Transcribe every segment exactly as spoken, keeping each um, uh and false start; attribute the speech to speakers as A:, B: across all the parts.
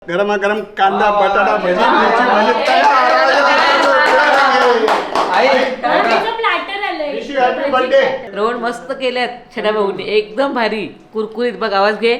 A: गरमागरम कांदा बटाटा भजी मिरची भजी तयार हॅपी बर्थडे.
B: रोड मस्त केल्यात छड्या भाऊनी एकदम भारी कुरकुरीत. बघ आवाज घे.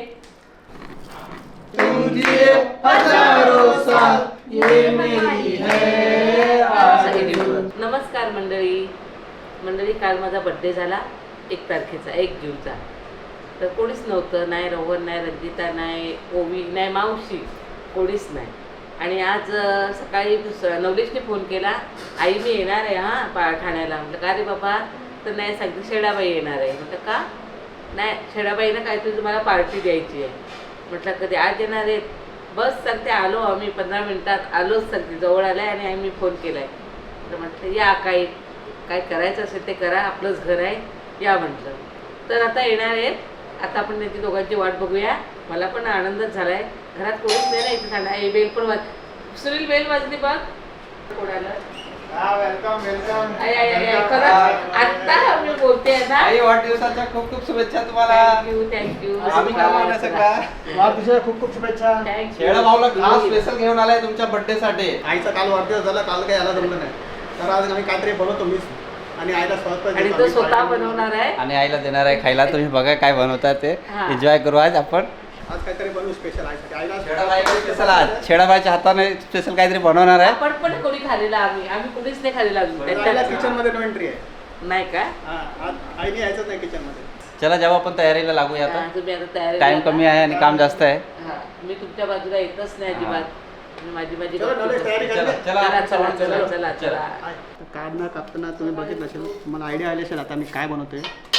B: नमस्कार मंडळी. मंडळी काल माझा बर्थडे झाला एक तारखेचा एक जूनचा. तर कोणीच नव्हतं, नाही रोहन नाही रंजिता नाही ओवी नाही मावशी, कोणीच नाही. आणि आज सकाळी नवलेशने फोन केला, आई मी येणार आहे हां पा ठाण्याला. म्हटलं का रे बाबा? तर नाही सांगते शेडाबाई येणार आहे. म्हटलं का? नाही शेडाबाईनं काहीतरी तुम्हाला पार्टी द्यायची आहे. म्हटलं कधी आज येणार आहेत? बस सांगते आलो आम्ही पंधरा मिनटात आलोच सांगते, जवळ आलं आहे आणि आम्ही फोन केला आहे. तर म्हटलं या काही काय करायचं असेल ते करा, आपलंच घर आहे या म्हटलं. तर आता येणार आहेत. आता आपण त्यांची दोघांची वाट बघूया. मला पण आनंदच झाला आहे. घरात कोणीच नाही ना इथे ठाणा. हे बेल पण वाज सुनील बेल वाजली बघ. कोण आलं?
A: Welcome welcome.
B: आता मी बोलते ना.
C: वाढदिवसाच्या खूप खूप शुभेच्छा तुम्हाला.
B: Thank you thank you.
C: आम्ही कामाला सगळा
A: वाढदिवसाच्या खूप खूप शुभेच्छा.
C: शेळा भाऊला खास स्पेशल घेऊन आलाय तुमच्या बर्थडे साठी.
A: आईचा काल वाढदिवस झाला, काल काही यायला जमलं नाही, तर आज आम्ही काहीतरी बनवतो मीच आणि आईला स्वतः
B: आणि तो स्वतः बनवणार आहे
C: आणि आईला देणार आहे खायला. तुम्ही बघा काय बनवतात ते,
B: हा.
C: एन्जॉय करू आज आपण.
A: आज काहीतरी बनवू स्पेशल आईसाठी. आईला
C: स्पेशल आज शेडाबाईच्या हाताने स्पेशल काहीतरी बनवणार आहे.
B: आपण पण कोणी खाल्लेला आम्ही आम्ही कोणीच नाही खाल्लेला
A: आईला
B: अजून.
A: किचन मध्ये नो एंट्री आहे.
B: नाही का?
A: हा, आज आईने यायचंच नाही किचन मध्ये.
C: चला जेव्हा आपण तयारीला लागूया
B: हा,
C: आता.
B: तुम्ही आता तयारी
C: टाइम कमी आहे आणि काम जास्त आहे.
B: हा, मी तुमच्या बाजूला येतच नाही अजिबात. मी माझी माझी
A: चलो,
B: बघते.
A: नवलेश, तयारी
C: चला
A: करा.
C: चला
B: चला
C: आपण
B: चला
C: सर्वांनी
B: चला
C: चला.
B: चला चला.
A: आय, काढणं कापताना तुम्ही बघितलं असेल, तुम्हाला आयडिया आली असेल आता मी काय बनवतोय.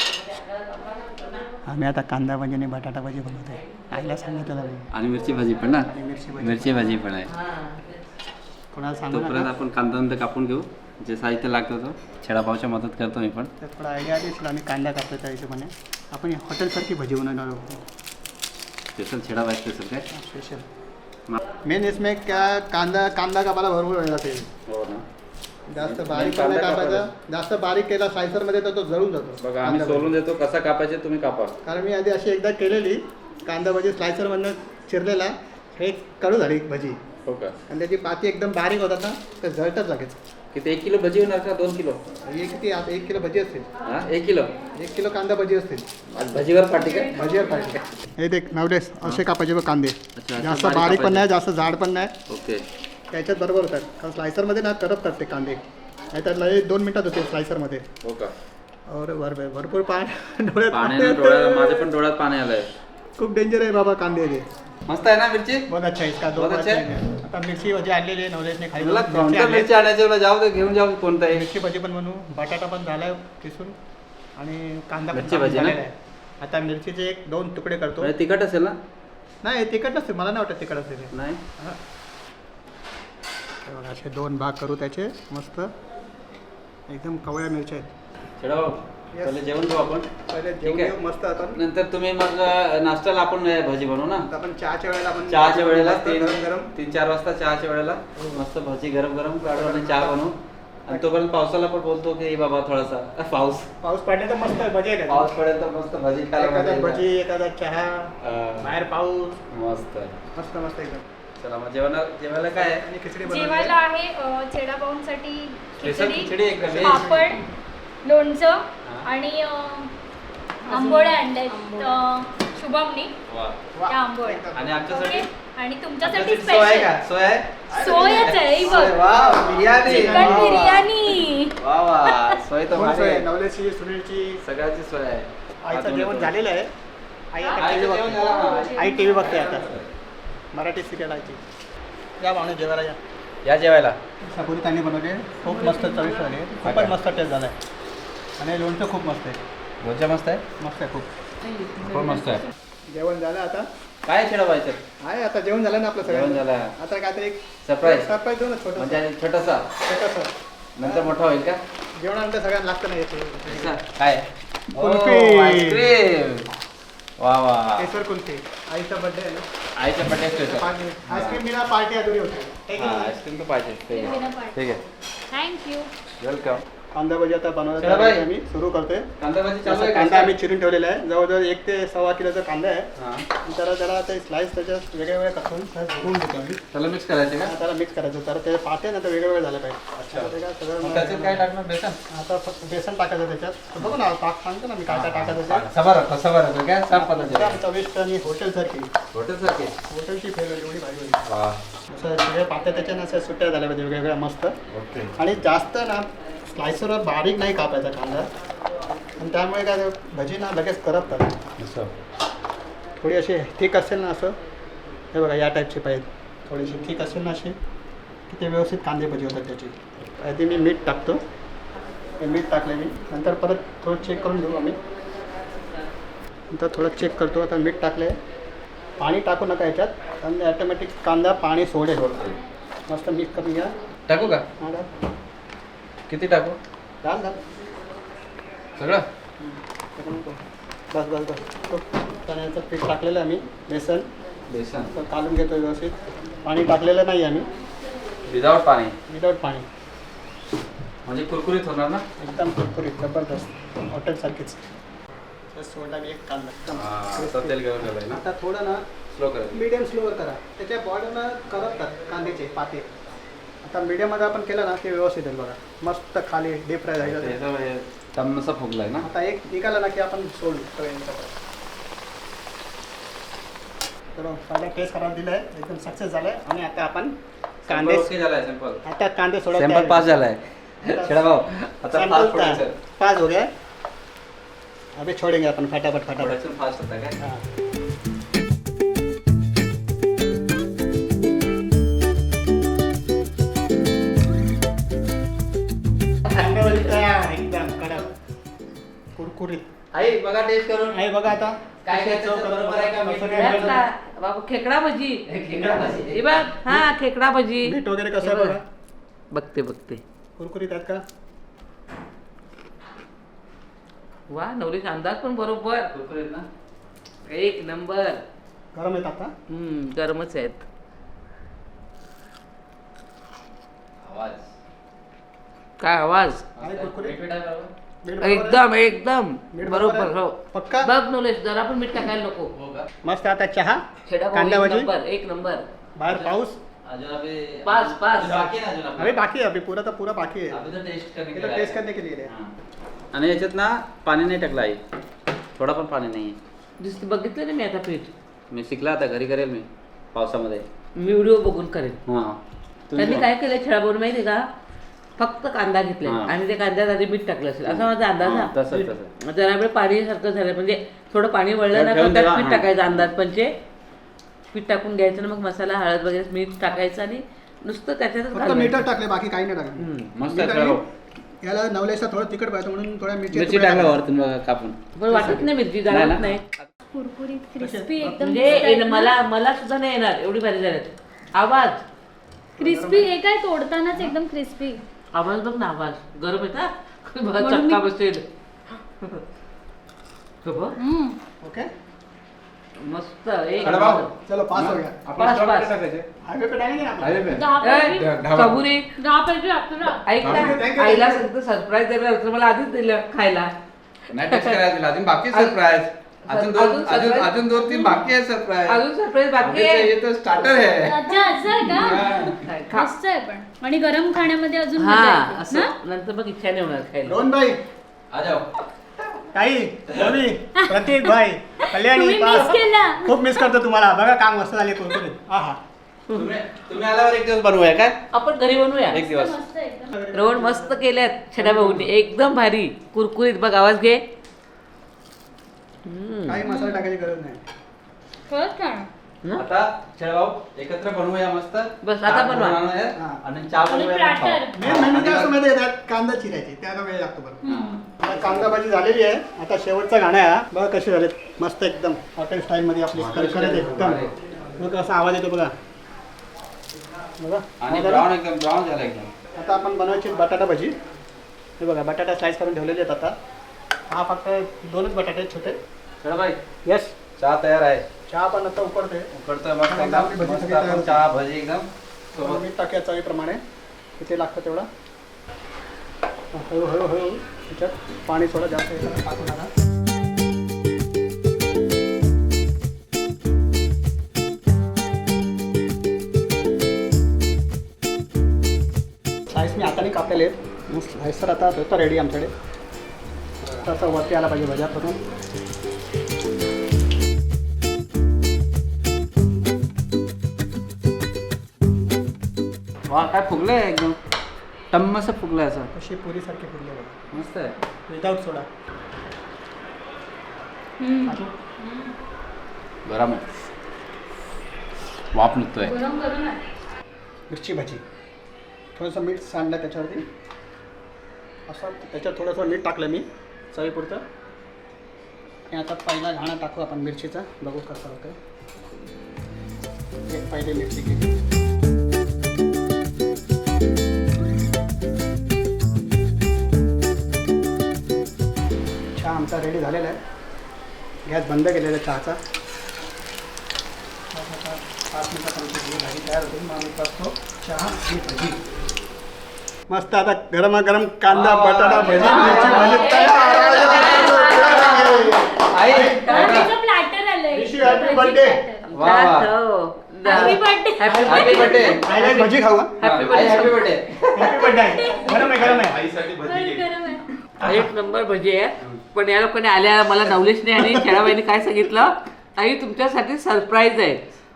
A: आम्ही आता कांदा भाजी आणि बटाटा भाजी बनवतोय. आईला सांगितलं नाही
C: आणि मिरची भाजी पण ना.
A: आणि मिरची भाजी
C: मिरची भाजी पण आहे.
B: हा.
A: कोणाला सांगू
C: तोपर्यंत
A: नका.
C: आपण कांदा नंतर कापून घेऊ. जे साहित्य लागतं तो छेडाभाऊच्या मदत करतो मी पण.
A: तर थोडा आयडिया आली असेल आम्ही कांदा कापतो त्या हिशोबाने. आपण हॉटेलसारखी भजी बनवणार आहोत
C: स्पेशल छेडाभाई स्पेशल काय
A: स्पेशल. मेन इसमें क्या कांदा कांदा कापायला भरपूर वेळ लागेल.
C: हो ना.
A: जास्त बारीक पण नाही कापायचा. जास्त बारीक केला स्लायसर मध्ये तर तो जळून जातो.
C: बघा आम्ही सोलून देतो कसा कापायचे तुम्ही कापा.
A: कारण मी आधी अशी एकदा केलेली कांदा भजी स्लायसर मधनं चिरलेला, हे कडू झाली भजी.
C: हो का?
A: आणि त्याची पाती एकदम बारीक होतात ना, तर जळतच लागेल.
C: किती एक किलो भजी होणार का दोन किलो?
A: हे किती आता एक किलो भजी असतील.
C: हा एक किलो.
A: एक किलो कांदा भजी असतील.
C: आज भजीवर पाठी काय?
A: भजीवर पाहिजे. हे देख नवलेस असे कापायचे बघ कांदे.
C: अच्छा, असं
A: जास्त
C: बारीक
A: बारीक पण
C: कापायचे.
A: नाही जास्त जाड पण नाही.
C: ओके.
A: त्याच्यात बरोबर होतात. कारण स्लायसरमध्ये ना करपतात ते कांदे. नाही तर लय दोन मिनिटात होते स्लायसरमध्ये.
C: हो का?
A: और भर भरपूर पाणी डोळ्यात
C: पाण्याने
A: पाणी
C: डोळ्यात
A: येतं.
C: माझ्या पण डोळ्यात पाणी आलंय.
A: खूप डेंजर आहे बाबा कांदे ते.
C: मस्त आहे ना मिरची?
A: बहुत अच्छा इसका दो
C: बहुत अच्छा
A: अच्छा है. आता मिरची भजी आणलेली आहे नवलेशने खाली.
C: मला
A: मिरची
C: कोणत्या
A: आणली.
C: मिरची आणायची मला जाऊ दे घेऊन जाऊ कोणता आहे.
A: मिरची भजी पण बनवू. बटाटा पण झालाय किसून आणि कांदा पण
C: मिरची भजी ना?
A: झालेला आहे. आता मिरचीचे एक दोन तुकडे करतो.
C: म्हणजे तिखट असेल ना?
A: नाही तिखट नसते, मला नाही वाटत तिखट असेल ते.
C: नाही.
A: हा. हे बघा, असे दोन भाग करू त्याचे मस्त एकदम कवळ्या मिरच्या आहेत.
C: छेडाभाऊ
A: Yes.
C: पहिले जेवण घेऊ आपण.
A: पहिले
C: ठीक
A: जेवण
C: आहे.
A: घेऊ मस्त. आता
C: नंतर तुम्ही मग नाश्त्याला आपण भजी बनवू ना.
A: आता आपण चहाच्या वेळेला आपण
C: चहाच्या वेळेला
A: मस्त
C: तीन
A: गरम गरम
C: तीन चार वाजता चहाच्या वेळेला मस्त भजी गरम गरम काढू आणि चहा बनवू. आणि तोपर्यंत पावसाला पण बोलतो की बाबा थोडासा पाऊस
A: पाऊस पडले तर मस्त भजी आहे.
C: पाऊस पडेल तर मस्त भजी खायला मजा
A: एखादा
C: येईल.
A: भजी एखादा चहा
C: अं,
A: बाहेर पाऊस
C: मस्त
A: मस्त मस्त एकदम.
C: चला मग जेवणा जेवायला काय आहे?
A: आणि खिचडी
D: जेवायला
A: बनवली.
D: आहे अ, छेडाभाऊंसाठी
C: स्पेशल
D: खिचडी,
C: खिचडी एकदम व्हेज.
D: पापड, लोणचं आणि अ, आंबोळ्या आणल्यात अ, शुभमनी
C: वा.
D: त्या आंबोळ्या.
C: आणि आमच्यासाठी
D: ओके? आणि तुमच्यासाठी
C: आमच्यासाठी सोय आहे
D: स्पेशल
C: का? सोय आहे?
D: सोयच आहे ही
C: सोय,
D: बघ.
C: वा बिर्याणी.
D: चिकन
C: वा, वा.
D: बिर्याणी.
C: वा वा सोय तर
A: दोन
C: भारी
A: सोय आहे.
C: आहे.
A: नवलेशची सुनीलची
C: सगळ्याची सोय आहे.
A: आईचं
C: अजून
A: जेवण
C: एक
A: झालेलं आहे. आई आता
C: आईचं
A: टीव्ही
C: जेवण
A: बघते.
C: झालं ना?
A: आई टीव्ही बघते आता. मराठी सिरियल आयची. या पाहुणे जेवायला या.
C: या जेवायला.
A: सपोरी त्यांनी बनवले खूप मस्त चविष्ट झाले. खूपच मस्त टेस्ट झाला आहे. आणि लोणचं खूप मस्त आहे.
C: लोणचं मस्त आहे.
A: मस्त आहे खूप.
C: खूप मस्त आहे.
A: जेवण झालं आता.
C: काय छेडाभाईचं?
A: आहे आता जेवण झालं ना आपलं
C: जेवण
A: सगळं.
C: झालं.
A: आता काहीतरी एक
C: सरप्राईज.
A: सरप्राईज देऊ ना छोटं
C: म्हणजे छोटासा
A: छोटंसं.
C: नंतर मोठा होईल का?
A: जेवणानंतर सगळ्यांना लागतं ना येते.
C: काय?
A: कुल्फी.
C: आईस्क्रीम. वा वा.
A: केसर कुल्फी. आईचा बर्थडे आहे ना.
C: आईच्या बड्डे स्पेशल.
A: आईस्क्रीम बिना पार्टी अधुरी होते.
C: हा आईस्क्रीम तर पाहिजे. ठीक आहे. ठीक आहे.
D: थँक्यू.
C: वेलकम.
A: कांदा भजी आता
C: चला
A: बनवायला
C: बाई.
A: आम्ही सुरू करतोय.
C: कांदा भाजी चालू
A: जसं
C: आहे
A: कांदा
C: का?
A: आम्ही चिरून ठेवलेला आहे, जवळजवळ एक ते सव्वा किलोचा कांदा आहे.
C: हा.
A: त्याला जरा ते स्लाइस त्याच्यात वेगळे वेगळे करून धुवून घेतो आम्ही.
C: त्याला मिक्स करायचे का?
A: त्याला मिक्स करायचं, तर ते पाटे ना तर वेगळे वेगळे झाले पाहिजे.
C: अच्छा.
A: तर ते काय
C: मग
A: सगळं
C: त्याच्यात काय टाकणार? बेसन?
A: आता फक्त बेसन टाकायचं त्याच्यात. तर बघू ना, टाक सांगतो ना मी काय काय टाकायचं ते.
C: कसा बरं कसा बरं काय सांग पद्धतीने.
A: एकदम चविष्ट आणि हॉटेलसारखी,
C: हॉटेलसारखे.
A: हॉटेलची फेवरेट एवढी भाजी होती.
C: वा.
A: असं सगळे पाते त्याच्यानं असं सुट्ट्या झाल्या पाहिजे वेगवेगळ्या मस्त.
C: ओके.
A: आणि जास्त ना स्लायसरवर बारीक नाही कापायचा कांदा, आणि त्यामुळे काय भजी ना लगेच करपतात.
C: असं.
A: थोडी अशी थिक असेल ना असं, हे बघा या टाईपची पाहिजे. थोडीशी थिक असेल ना अशी की ते व्यवस्थित कांदे भजी होतात त्याची. आधी मी मीठ टाकतो, हे मीठ टाकले मी, नंतर परत थोडं चेक करून घेऊ आम्ही. नंतर थोडं चेक करतो. आता मीठ टाकले, पाणी टाकू नका याच्यात, आणि ॲटोमॅटिक कांदा पाणी सोडेल. मस्त मिक्स करून घ्या.
C: टाकू का?
A: हा डाल
C: किती टाकू?
A: डाल डाल
C: सगळं?
A: बस बस बस तो चण्याचं पीठ टाकलेलं आहे आम्ही, बेसन
C: बेसन
A: तर काढून घेतो व्यवस्थित. पाणी टाकलेलं नाही आम्ही,
C: विदाउट पाणी
A: विदाऊट पाणी.
C: म्हणजे कुरकुरीत होणार ना?
A: एकदम कुरकुरीत जबरदस्त हॉटेलसारखीच. बस सोडला मी एक कांदा एकदम
C: आता
A: crispy.
C: तेल घेऊन ठेवलंय ना?
A: आता थोडं ना
C: स्लो करायचं.
A: मीडियम स्लोवर करा, त्याच्या बॉर्डरला करपतात कांद्याचे पाते. आता मीडियममध्ये आपण केलं ना ते व्यवस्थित आहे बघा, मस्त खाली डीप फ्राय झालं.
C: याचा हे तमसा फुगलाय ना?
A: आता एक निघाला ना की आपण सोडू सगळ्यांच्याकडे. तर पहिला टेस्ट करायला दिलं आहे, एकदम सक्सेस झालं आहे. आणि आता आपण कांदे,
C: ओके झालाय सिंपल.
A: आता कांदे सोडा.
C: सॅम्पल पास झालाय. छेड़ा भाऊ आता फास्ट प्रोडक्शन.
A: पास हो गया, अभी छोड़ेंगे अपन फटाफट फटाफट.
C: प्रोडक्शन फास्ट होता है क्या?
A: हाँ. एकदम कडक कुरकुरीत
C: आई बघा टेस्ट करून.
A: आहे बघा आता.
C: काय काय
A: चव
C: त्याचं बरोबर आहे का? मीठ
A: कसं
C: वगैरे
A: काय
B: त्यात का? बाबू खेकडा भजी.
C: खेकडा भाजी.
B: हे बघ, हा खेकडा भजी.
A: मीठ वगैरे कसं आहे
B: हे बघ.
A: बघा,
B: बघते बघते.
A: कुरकुरीत आहेत का?
B: वा नवरीचा अंदाज पण बरोबर.
C: कुरकुरीत ना?
B: एक नंबर.
A: गरम आहेत आता.
B: हम्म गरमच आहेत.
C: आवाज.
B: काय आवाज.
A: आहे कुरकुरीत.
C: मीठ आहे बरोबर?
A: मीठ बरोबर आहे?
B: एकदम एकदम
A: मीठ बरोबर
B: बरोबर.
A: आहे?
B: हो
A: पक्का.
B: बघ नवलेश जरा पण मीठ टाकायला नको.
C: हो का?
A: मस्त. आता चहा,
B: छेडा भाऊ,
A: कांदा
B: एक
A: भजी,
B: नंबर एक नंबर.
A: बाहेर पाऊस.
C: अजून अभी
B: पास, पास.
C: बाकी है ना अजून आपलं?
A: अभी बाकी है, अभी पूरा तर पूरा बाकी है.
C: अभी तो टेस्ट करने
A: ये
C: के
A: तो
C: लिए
A: टेस्ट
C: आया.
A: करने के लिए है.
C: हां. आणि याच्यात ना पाणी नाही टाकलं आई, थोडा पण पाणी नाही.
B: दिसते बघितलं ना मी आता पीठ.
C: मी शिकला आता, घरी करेल मी पावसामध्ये.
B: मी व्हिडिओ बघून करेन.
C: हां.
B: त्यांनी काय केलं छेडाबरोबर माहिती का, फक्त कांदा घेतला
C: हा.
B: आणि ते कांद्यात आधी मीठ टाकलं असेल असा माझा अंदाज
C: हां,
B: हा.
C: तसंच तसं.
B: जरा वेळ पाणी सारखं झालं म्हणजे थोडं पाणी वळलं ना
C: ठेवून
B: तर त्यात
C: देवा,
B: पीठ
C: हा.
B: टाकायचं अंदाज पंचे. पीठ टाकून घ्यायचं ना मग मसाला हळद वगैरे मीठ टाकायचं आणि नुसतं त्याच्यातच
A: फक्त
B: घालवायचं.
A: मीठच टाकले, बाकी काही नाही टाकलं.
B: हम्म.
C: मस्त
A: मीठ
C: आहे
A: आणि
C: भाऊ.
A: याला नवलेशला थोडं तिखट पाहिजे म्हणून थोड्या मिरची
C: मिरची टाकला वरतून बघा कापून.
B: पण वाटत नाही मिरची
C: नाही ना?
B: जाणवत नाही.
D: कुरकुरीत क्रिस्पी एकदम
B: म्हणजे येणं- मला मला सुद्धा नाही येणार एवढी भारी झाल्यात. आवाज
D: क्रिस्पी हे काय तोडतानाच एकदम क्रिस्पी.
B: आवाज बघ ना आवाज गरम येता
D: म्हणून
B: चक्का
D: मी-
B: बसेल. हो बघ.
A: ओके.
B: मस्त एक
C: अरे भाऊ.
B: नंबर.
A: चलो पास हो गया.
B: Pass, pass.
A: हायवे पे डालेंगे ना आपण?
C: हायवे पे.
D: दहा
B: ए,
D: पैकी-
B: सबुरी
D: दहा पैकी अकरा.
B: ऐक
A: Thank you, thank
B: ना
A: you,
B: आईला
A: thank you.
B: सांगतो सरप्राईज देणार होतं मला आधीच दिलं खायला.
E: नाही टेस्ट करायला दिला अजून बाकी सरप्राईज अजून दोन
B: अजून
E: अजून
B: surprise?
E: अजून दोन तीन बाकी आहे सरप्राईज
B: अजून सरप्राईज बाकी आहे.
E: ये तो स्टार्टर है
D: अच्छा असं आहे का?
B: काय, खा.
D: मस्त आहे पण. आणि गरम खाण्यामध्ये अजून
B: हा
D: मजा येते.
B: असं
D: ना?
B: नंतर मग इच्छा नाही होणार खायला.
A: रोहन भाई,
C: आ जाओ.
A: ताई, रवी, प्रतीक भाई, कल्याणी,
D: तुम्ही
A: पास.
D: मिस केला.
A: खूप मिस करतो तुम्हाला. बघा काम मस्त झाले कुरकुरीत. हा हा.
C: तुम्ही तुम्ही आल्यावर एक दिवस बनवूया काय?
B: आपण घरी बनवूया.
C: एक दिवस.
D: मस्त आहे एकदम.
B: रोहन मस्त केल्यात छड्या भाऊनी एकदम भारी कुरकुरीत. बघ आवाज घे. हम्म.
A: काही मसाला टाकायची गरज नाही.
D: खरंच छान.
B: हं?
C: आता छेड भाऊ एकत्र बनवूया मस्त.
B: बस, आता
C: चहा
B: बनवा.
C: बनवूया
A: हा.
C: आणि चहा
D: आणि
C: बनवूया आणि
D: platter.
C: खाऊ.
A: मेन मेनू काय असं माहिती आहे, त्यात कांदा चिरायची, त्याला वेळ लागतो बरं.
C: हां.
A: आता कांदा भाजी झालेली आहे. आता शेवटचा गाणं आहे हा. बघा कसे झालेत मस्त एकदम हॉटेल स्टाईल मध्ये आपली
C: Hotel
A: करकरीत
C: style
A: एकदम.
C: मध्ये.
A: बघा कसा आवाज येतो बघा. बघा
C: आणि
A: बघा.
C: ब्राऊन एकदम ब्राऊन झाला एकदम.
A: आता आपण बनवायची बटाटा भजी. हे बघा बटाटा स्लाइस करून ठेवलेले आहेत आता. हा फक्त दोनच बटाटे आहेत छोटे.
C: छेड भाई
A: येस.
C: चहा तयार आहे.
A: चहा पण आता उकडते.
C: उकडतोय मस्त
A: आता
C: एकदम.
A: आपली भजी
C: मस्त
A: सगळी तयार
C: आपण
A: होते.
C: चहा भजी एकदम सोबत.
A: मीठ टाकूया चवीप्रमाणे. किती लागतं तेवढा. हळू हळू हळू त्याच्यात पाणी थोडं जास्त याच्यात टाकू नका. स्लाइस मी हाताने कापलेले आहेत. स्लाइसर आता होतं रेडी आमच्याकडे. तसं वरती आला पाहिजे भजा करून.
C: वा काय फुगलंय एकदम टम्म असं फुगलंय असं
A: अशी पुरीसारखी फुगली बघा
C: मस्त आहे.
A: Without soda.
D: हम्म.
E: गरम आहे. वाफ निघतोय.
D: गरम गरम आहे.
A: मिरची भाजी थोडंसं मीठ सांडलं त्याच्यावरती असं त्याच्यात थोडंसं मीठ टाकलं मी चवीपुरतं. आणि आता पहिला घाणा टाकू आपण मिरचीचा बघू कसं होतं. एक पहिली मिरची केली. चहा आमचा रेडी झालेला आहे. गॅस बंद केलेला आहे चहाचा. पाच मिनिटात आमची भाजी तयार होते. मग आम्ही करतो चहा आणि भजी. मस्त आता गरमागरम कांदा बटाटा भजी मिरची भजी तयार.
C: आई
D: त्याचं प्लॅटर आलंय.
A: Wish you happy birthday.
C: वा वा
D: happy birthday.
B: Happy
C: happy birthday.
A: I like bhaji खाऊ.
B: हॅपी
C: आई हॅपी बर्थडे.
A: Happy birthday. गरम आहे गरम आहे.
D: गरम आहे.
B: एक नंबर भजी आहे. पण या लोकांनी आल्या मला नवलेशने आणि खेळाबाईने काय सांगितलं, आई तुमच्यासाठी सरप्राईज आहे.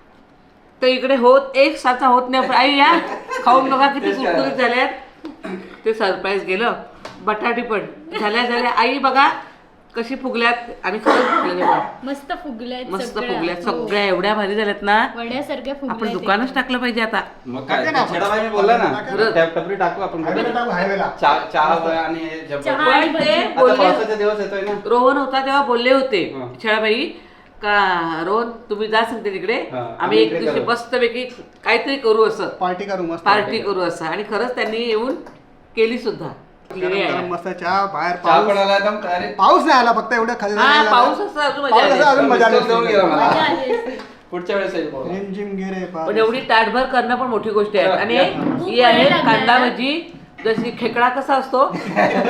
B: तर इकडे होत एक साचा होत नाही. आई या खाऊन बघा किती कुरकुरीत झाल्यात. ते सरप्राईज गेलं. बटाटी पण झाल्या झाल्या. आई बघा कशी फुगल्यात आणि खरंच फुगल्या बघा.
D: मस्त फुगल्यात
B: मस्त
D: सगळ्या.
B: फुगल्यात
D: हो.
B: सगळ्या एवढ्या भारी झाल्यात ना.
D: वड्यासारख्या
B: आपण
D: फुगल्यात.
B: दुकानच टाकलं पाहिजे आता.
C: मग काय
A: टाका ना आपण.
C: छेडाबाई मी बोलला ना
A: टाका
B: ना.
C: टपरी टाकू आपण
A: हायवेला टाकू हायवेला.
C: चहा चहा आणि हे जब्बर.
D: चहा.
B: पण ते
C: आता
B: बोलले,
C: पावसाचा दिवस येतोय ना.
B: रोहन होता तेव्हा बोलले होते
C: हं.
B: छळाबाई का रोहन तुम्ही जा सांगते तिकडे,
C: हं.
B: आम्ही
C: आम्ही
B: एक
C: इकडे
B: दिवशी
C: करू.
B: मस्तपैकी काहीतरी करू असं
A: पार्टी करू मस्त.
B: पार्टी करू असं. आणि खरंच त्यांनी येऊन केली सुद्धा.
A: गरम गरम मस्त चहा. बाहेर
C: चहा पण
A: पाऊस.
C: आला एकदम अरे
A: पाऊस नाही आला फक्त एवढं खाली
B: हा पाऊस असं अजून मजा
A: पाऊस
B: आली
A: असं
B: असती.
A: अजून मजा आली
C: मिस्टर देऊन गेला
A: असती.
C: मला.
D: मजा आली असती.
C: पुढच्या वेळेस येईल पाऊस.
A: रिम जिम गिरे पाऊस.
B: पण एवढी ताटभर करणं पण मोठी गोष्ट आहे. आणि
D: खूप
B: ही आहे
D: वेळ लागला
B: कांदा
D: ना.
B: भजी. जशी खेकडा कसा असतो तशी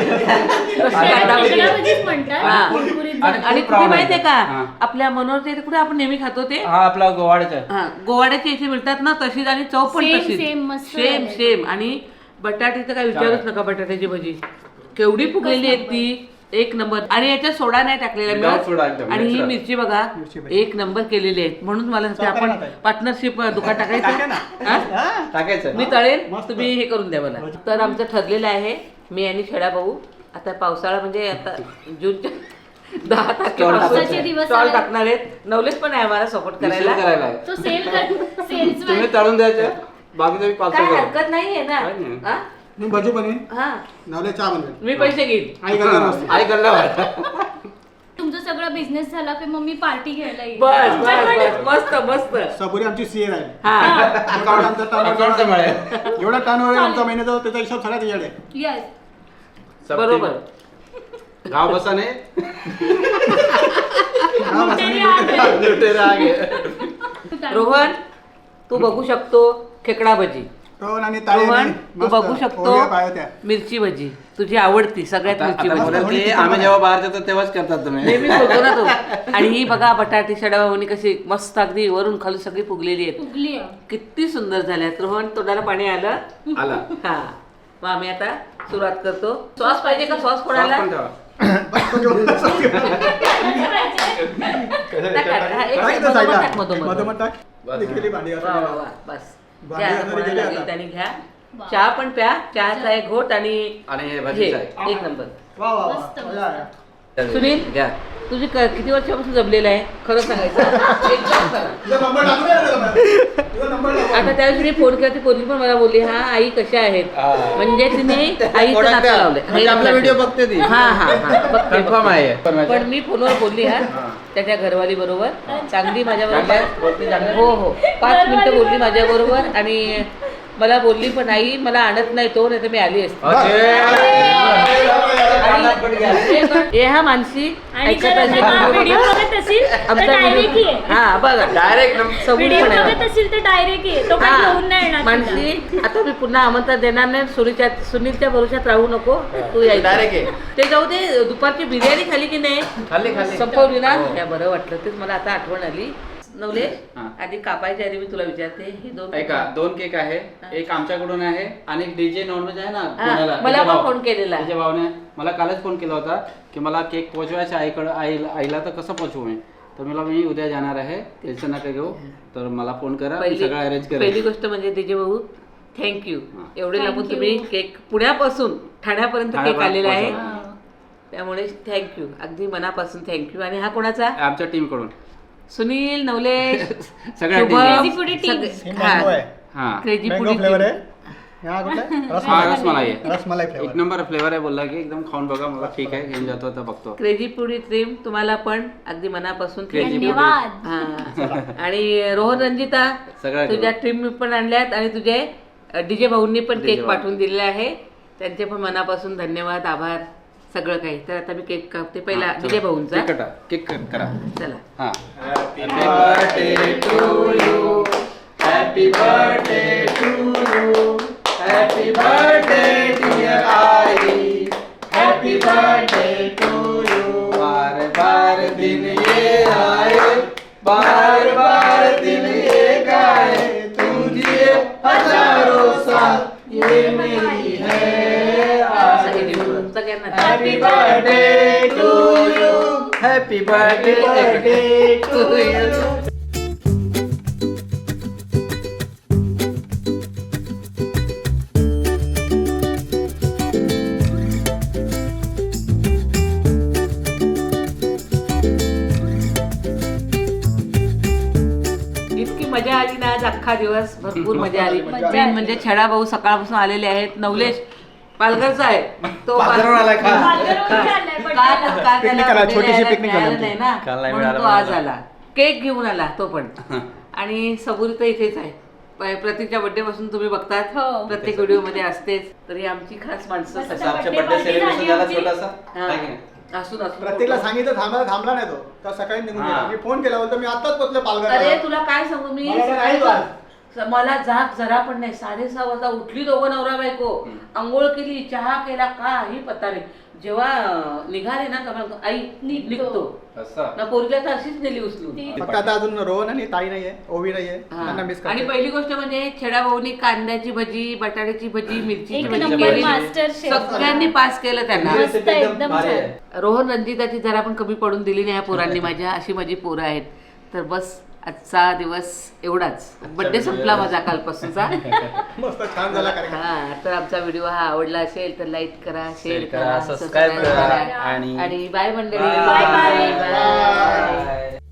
B: कांदा
D: त्याला
B: भजी
D: खेकडा
B: आहे.
D: भजीच म्हणतात.
B: हा.
D: कुरकुरीत
C: आणि
D: झालं.
B: आणि
C: खूप
B: कुठे
C: राव
B: माहितीये का
C: हा.
B: आपल्या मनोरचे इथे कुठे आपण नेहमी खातो ते
C: हा आपला गोवाड्याचा
B: हा गोवाड्याची इथे मिळतात ना तशीच. आणि चव पण
D: Same,
B: तशीच
D: same, मस्त
B: सेम
D: झालंय.
B: सेम. आणि बटाटी तर काय विचारूच नका. बटाट्याची भजी केवढी फुगलेली आहे ती. एक नंबर. आणि याच्यात सोडा नाही टाकलेला
C: Without soda
B: मिळत.
C: एकदम
B: आणि ही
C: natural.
B: मिरची बघा
A: मिरची भजी.
B: एक नंबर केलेली आहे. म्हणून मला सांगते आपण
A: चव करा ना.
B: पार्टनरशिप दुकान
A: टाका
B: टाकायचं
A: ना.
B: हा?
A: हा.
C: टाकायचं
B: मी तळेन
A: मस्त.
B: तुम्ही हे करून द्या मला. तर आमचं ठरलेलं आहे मी आणि छेडा भाऊ आता पावसाळा म्हणजे आता जूनच्या दहा
D: पावसाचे
B: तारखेपासून
D: दिवस
B: स्टॉल
D: आले.
B: टाकणार आहेत. नवलेश पण आहे आम्हाला सपोर्ट
C: Resell
B: करायला.
C: करायला आहे.
D: तो सेल कर सेल्स
C: तुम्ही तळून द्यायचे बाकी तुम्ही
B: काय
C: पार्सल करा.
B: हरकत नाहीये ना.
C: काय नाही.
B: हा?
A: मी भजी बनवीन.
B: हा
A: नवले चहा बनवेन.
B: मी पैसे घेईन.
A: आई गरम असते.
C: आई गल्ला
D: तुमचा सगळा बिझनेस झाला की मग मी पार्टी घ्यायला येईल.
B: बस बस बस मस्त मस्त.
A: सबुरी आमची सीए राहील.
B: हा
A: अकाउंट आमचा
C: अकाउंटचं
A: turnover-
C: मिळेल.
A: एवढा टर्न होईल आमचा महिन्याचा त्याचा हिशोब सगळ्यात येडे.
D: Yes.
B: बरोबर.
C: गाव बसा नाही
D: लुटेरे आ गए.
C: लुटेरा आगे.
B: रोहन तू बघू शकतो खेकडा भजी.
A: रोहन आणि ताई
B: रोहन
A: आणि
B: तू
A: मस्त
B: बघू शकतो
A: ओव्या पाया त्या.
B: मिरची भजी तुझी आवडती सगळ्यात
C: आता
B: मिरची
C: आता
B: भजी.
C: बोलेल की आम्ही जेव्हा बाहेर जातो तेव्हाच करतात तुम्ही.
B: नेहमी बोलतो ना तो. आणि ही बघा बटाटी शडाभाऊनी कशी मस्त अगदी वरून खाली सगळी फुगलेली आहेत.
D: फुगली आहे.
B: किती सुंदर झाल्यात. रोहन तोंडाला पाणी आलं.
C: आला
B: हा मग आम्ही आता सुरुवात करतो. सॉस पाहिजे का? सॉस
C: सॉस
B: कोणाला?
C: पण ठेवा.
A: बस तो जेवढं असं.
B: टाक, टाक. हा, एक
A: टाक
B: मिनिट,
A: इथं
B: मधोमध
A: साईडला.
B: टाक, मधोमध.
A: मधोमध टाक.
C: बस.
A: ती केली भांडी असं
B: वा वा
A: केलं.
B: वा बस.
A: भांडी
B: घ्या,
A: घालणारी
B: कोणाला
A: गेली
B: लागेल
A: आता.
B: त्याने घ्या.
D: वा.
B: चहा पण प्या. चहाचा एक घोट आणि
C: आणि हे
B: हे
C: भाजीचं आहे.
B: एक नंबर.
A: वा वा वा.
D: मस्त, मस्त.
A: मजा आहे.
B: सुनील
C: घ्या.
B: तुझी क- किती वर्षापासून जमलेलं आहे खरं सांगायचं एकदम खरं.
A: तुझा नंबर टाकूया ना त्याला. तुझा नंबर टाकूया.
B: आता त्या दिवशी फोन केला ती पोरगी पण मला बोलली हा आई कशा आहेत.
C: हा.
B: म्हणजे तिने आईचं
C: कोणाला
B: नातं
C: द्या.
B: लावलंय.
C: म्हणजे आपला व्हिडिओ बघते ती.
B: हा हा हा बघते,
C: कन्फर्म
B: बघते.
C: आहे
B: पण मी फोनवर बोलली हा
C: हा.
B: त्याच्या घरवाली बरोबर चांगली माझ्या
C: चांगली आहे?
B: बरोबर
C: बोलते चांगली?
B: हो हो पाच मिनिटं बोलली माझ्या बरोबर. आणि मला बोलली पण आई मला आणत नाही तो नाही तर मी आली असते.
C: अरे.
B: आणि
C: फटाफट घ्या.
B: हे हा मानसी
D: आणि
B: ऐकत
D: जर
B: असेल
D: हा
B: तर
D: व्हिडिओ बघत असेल तर
B: आमचा
D: डायरेक्ट
B: व्हिडिओ
D: ये
B: हा बघा
E: डायरेक्ट
B: सबूत
D: व्हिडिओ
B: पण आहे.
D: बघत असेल तर डायरेक्ट ये तो काही घेऊन नाही येणार तुला.
B: मानसी आता मी पुन्हा आमंत्रण देणार नाही. सुनीच्या सुनीलच्या भरोशात राहू नको तू यायचं
E: Direct ये.
B: ते जाऊ दे. दुपारची बिर्याणी खाली की नाही
E: खाल्ली खाल्ली
B: संपवली ना
E: हो.
B: या बरं वाटलं तेच मला आता आठवण आली. नवले
C: हा.
B: आधी कापायच्या आधी मी तुला विचारते हे दोन
C: ऐका दोन केक आहे एक आमच्याकडून आहे आणि एक डीजे नॉनव्हेज आहे ना
B: हा,
C: पुण्याला.
B: मला
C: त्याच्या
B: पण
C: भाव-
B: फोन केलेला.
C: त्याच्या भावाने मला कालच फोन केला होता की मला केक पोहोचवायचा आईकडं आईला आईला तर कसं पोहोचवू मी तर मला मी उद्या जाणार आहे टेन्शन नका घेऊ तर मला फोन करा मी
B: पहिली
C: सगळं अरेंज
B: पहिली
C: करेन.
B: गोष्ट म्हणजे त्याचे भाऊ थँक्यू
C: हा.
B: एवढे
D: Thank
B: लांबून
D: you.
B: तुम्ही केक पुण्यापासून ठाण्यापर्यंत केक
C: ठाण्यापर्यंत
B: आलेला आहे
C: पोहोचवला.
B: त्यामुळे थँक्यू अगदी मनापासून थँक्यू. आणि हा कोणाचा
C: आमच्या टीम कडून
B: सुनील नवले
C: सगळ्या
B: Shubham,
C: team.
D: Crazy Foodie team.
B: सगळे-
A: हे
B: हा.
A: मँगो आहे
C: हा
B: क्रेझी
A: मँगो
B: फूडी
A: फ्लेवर आहे हा कुठला आहे?
C: हा
A: रसमलाई
C: रसमलाई आहे
A: रसमलाई
C: एक
A: फ्लेवर
C: नंबर फ्लेवर आहे बोलला की एकदम खाऊन बघा मला ठीक आहे घेऊन जातो आता बघतो.
B: क्रेझी फूडी ड्रीम तुम्हाला पण अगदी मनापासून
C: Crazy
B: thank you.
D: धन्यवाद.
B: हा. आणि रोहन रंजिता
C: सगळ्या
B: तुझ्या टीम पण आणल्यात आणि तुझे डीजे भाऊंनी पण
C: DJ
B: केक
C: भाऊ.
B: पाठवून दिलेला आहे त्यांचे पण मनापासून धन्यवाद आभार सगळं काही. तर आता मी केक कापते पहिला डीजे भाऊंचा.
C: केक कटा केक कट करा
B: चला
C: हा
E: Happy birthday to you. Happy birthday to you. Happy birthday dear I. Happy birthday to you. बार बार दिन ये आए, बार बार दिन ये गाए, तुम जिए हजारों साल ये मेरी है
B: असं
E: आरज़ू.
B: हे देऊ. तुमचं काय ना
E: Happy birthday to you.
C: Happy birthday
E: Birthday to you.
B: इतकी मजा आली ना आज अख्खा दिवस भरपूर मजा आली.
D: मजा
B: मेन
D: आली.
B: म्हणजे छडा भाऊ सकाळपासून आलेले आहेत. नवलेश पालघरचा आहे तो
E: पालघरहून आलाय खास.
D: पालघरहून आलाय
B: काल
D: birthday ला.
B: काल
A: Picnic
B: त्याला
A: आला,
B: birthday
A: छोटीशी
B: यायला
A: picnic झाली
B: मिळालं
A: आमची.
B: नाही ना
C: काल नाही
B: म्हणून
C: मिळालं
B: तो आज
C: मला.
B: आला. केक घेऊन आला तो पण आणि सबुरी तर इथेच आहे. प- प्रतीकच्या बर्थडे पासून तुम्ही बघतात
D: हो.
B: प्रत्येक व्हिडिओ मध्ये असतेच. तर ही आमची खास माणसं
D: मस्त.
B: सगळी.
C: आमच्या
D: birthday
C: बर्थडे
D: party
C: सेलिब्रेशन
D: झाली
C: झाला
D: आमची.
C: छोटासा
B: हा.
C: आहे की नाही?
B: असून असून
A: प्रत्येकला सांगितलं थांबायला थांबला नाही तो तर सकाळी निघून
C: हा.
A: गेला मी फोन केला होता मी आताच पोहोचलो पालघर
B: अरे तुला काय सांगू मी
A: मला तर नाही वाट.
B: स- मला जाग जरा पण नाही. साडेसहा वाजता उठली दोघं नवरा बायको
C: हम्म.
B: आंघोळ केली चहा केला काही पत्ता नाही. जेव्हा अं, निघाले ना तेव्हा आई
D: निघतो.
B: निघतो
C: असं
B: ना पोरीला तर अशीच नेली उचलून.
D: ती-
A: फक्त आता अजून रोहन आणि ताई नाहीये ओवी नाहीये
B: हा.
A: त्यांना मिस
B: आणि
A: करते
B: पहिली गोष्ट म्हणजे छेडा भाऊनी कांद्याची भजी बटाट्याची भजी मिरचीची
D: एक
B: भजी
D: नंबर
B: केली.
D: Master chef.
B: सगळ्यांनी पास केलं त्यांना.
C: ही
D: मस्त,
C: recipe एकदम
D: एकदम
C: भारी
D: छान.
C: आहे.
B: रोहन रंजिताची जरा पण कमी पडून दिली नाही ह्या पोरांनी माझ्या. अशी माझी पोरं आहेत. तर बस आजचा दिवस एवढाच. बड्डे संपला माझा कालपासूनचा.
A: मस्त छान झाला कार्यक्रम
B: हा तर आमचा व्हिडिओ हा आवडला असेल तर लाईक करा शेअर
C: Share करा,
B: करा
C: subscribe
B: सबस्क्राईब
C: करा
B: करा
C: आणि
B: आणि बाय मंडळी
C: Bye.
D: Bye, bye.
B: Bye.
C: Bye.